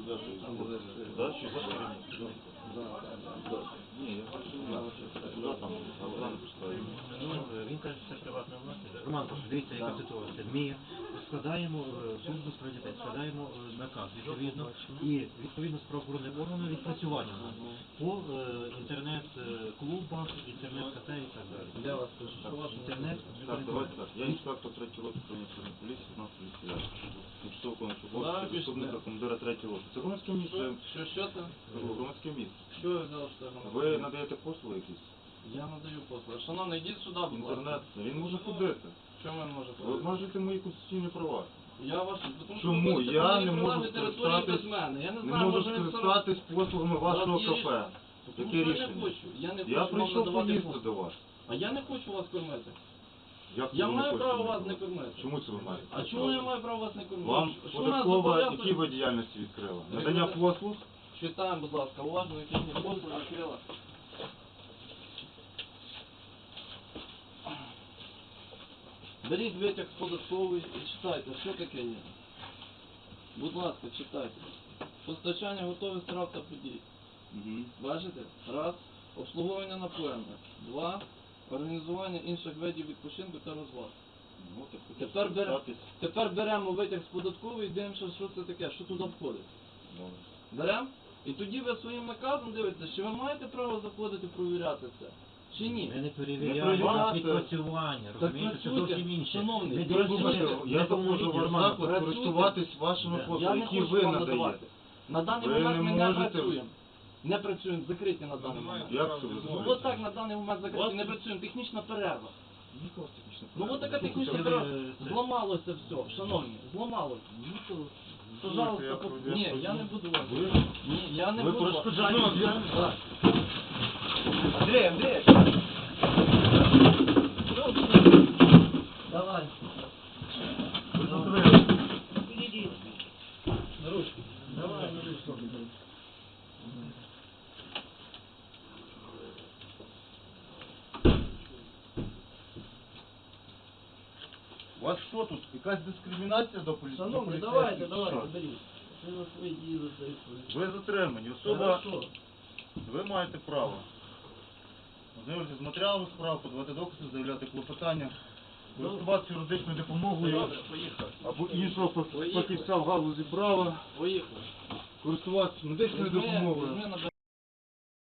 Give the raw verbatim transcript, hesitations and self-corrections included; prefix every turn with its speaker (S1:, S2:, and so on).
S1: сюди.
S2: Да, чи за Ні, я бачу, куди там, а куди не пускаю.
S3: Він каже, що це приватна власність. Роман, дивіться, яка ситуація. Ми складаємо службу з прав дітей, складаємо наказ, відповідно, і відповідно з правоохоронним органом відпрацювання по інтернет-клубах, інтернет-кафе і так далі.
S1: Я вас прошу, що ваш
S3: Інтернет.
S2: Так, давайте так. Я інспектор третього роти управління поліції, у нас поліція. Тимчасово виконуючий обов'язки заступника командира третього роти. Це громадське місце.
S1: Що, що це?
S2: Громадське місце.
S1: Що ви взяли, що це громадське?
S2: Ви надаєте послуги якісь?
S1: Я надаю послуги. Шановний, йдіть сюди, будь ласка.
S2: Інтернет, він може ходити.
S1: Чому він може
S2: Ви
S1: ходити?
S2: обмежуєте мої конституційні права.
S1: Я ваш... Тому що
S2: Чому?
S1: ви будете
S2: Я
S1: мені
S2: не можу
S1: прилежати територію
S2: скористатись,
S1: без мене. Я не
S2: не
S1: знаю,
S2: можу
S1: може він це робить.
S2: скористатись послугами вашого
S1: є
S2: кафе.
S1: рішення. Тому
S2: Яке
S1: що я не
S2: рішення?
S1: хочу. Я не хочу
S2: Я
S1: вам
S2: прийшов
S1: надавати
S2: поїсти
S1: послуги.
S2: до вас.
S1: А я не хочу вас кормити.
S2: Як це
S1: Я
S2: ви не
S1: маю
S2: хочете
S1: право
S2: мене
S1: вас не
S2: кормити?
S1: кормити.
S2: Чому це ви маєте?
S1: А чому я маю право вас не кормити?
S2: Вам
S1: Що нас
S2: податкова,
S1: зобов'язує?
S2: які ви діяльності відкрила?
S1: Ви
S2: Надання
S1: будете-
S2: послуг?
S1: Читаємо, будь ласка, уважно, які мені послуги відкрила. Беріть витяг з податкової і читайте, що таке є. Будь ласка, читайте. Постачання готових страв та подій.
S2: Угу.
S1: Бачите? Раз. Обслуговування напоєння. Два. Організування інших видів відпочинку та розваг.
S2: Ну, так,
S1: Тепер, бере-
S2: скористатись.
S1: Тепер беремо витяг з податкової і дивимося, що це таке, що туди входить.
S2: Добре.
S1: Беремо? І тоді ви своїм наказом дивитеся, чи ви маєте право заходити провіряти це, чи ні.
S3: Ми не
S2: Не
S3: перевіряємо
S2: перевіряти.
S3: відпрацювання,
S1: Так
S3: розумієте, це
S1: працюйте,
S3: зовсім інше.
S1: шановний,
S3: Ми
S1: працюйте.
S3: дивимося,
S2: Я
S3: не
S2: заходжу в ваш
S3: Роман,
S2: заклад
S1: працюйте.
S2: користуватись вашими
S3: Да.
S1: Я
S2: послугами,
S1: не
S2: які
S1: хочу
S2: ви
S1: вам
S2: надаєте.
S1: надавати. На даний
S2: Ви
S1: момент
S2: не
S1: ми не
S2: можете-
S1: працюємо. Не працюємо, закриті на даний момент.
S2: Як це ви
S1: Ну
S2: зробите?
S1: от так на даний момент закриті,
S2: Вас-
S1: не працюємо. Технічна перерва.
S2: Ніколи технічно.
S1: Ну от така технічна
S3: Це ви,
S1: перерва.
S3: це-
S1: Зламалося все, шановні, зламалося. Ну то, пожалуйста,
S2: я
S1: по-
S2: про-
S1: ні,
S2: я
S1: я не буду вас.
S2: Ви?
S1: Ні, я не
S2: Ви
S1: буду вас.
S2: перешкоджаєте.
S1: Я- Так.
S4: Андрей, Андрей!
S1: Давай.
S4: Иди.
S1: На ручку. Давай, на ручку.
S2: У вас що тут? Якась дискримінація до поліції?
S1: Шановні,
S2: до
S1: давайте,
S2: поліцейських?
S1: давайте,
S2: Що?
S1: беріть. Це на свої дії за це відповідь.
S2: Ви затримані. Особа,
S1: Хорошо.
S2: ви маєте право ознайомитися з матеріалами справ, подавати докази, заявляти клопотання, користуватися юридичною допомогою
S1: Добре, поїхали.
S2: або іншого фах-
S1: Поїхали.
S2: фахівця в галузі права,
S1: Поїхали.
S2: користуватися медичною
S1: Візьми-
S2: допомогою.
S1: візьми на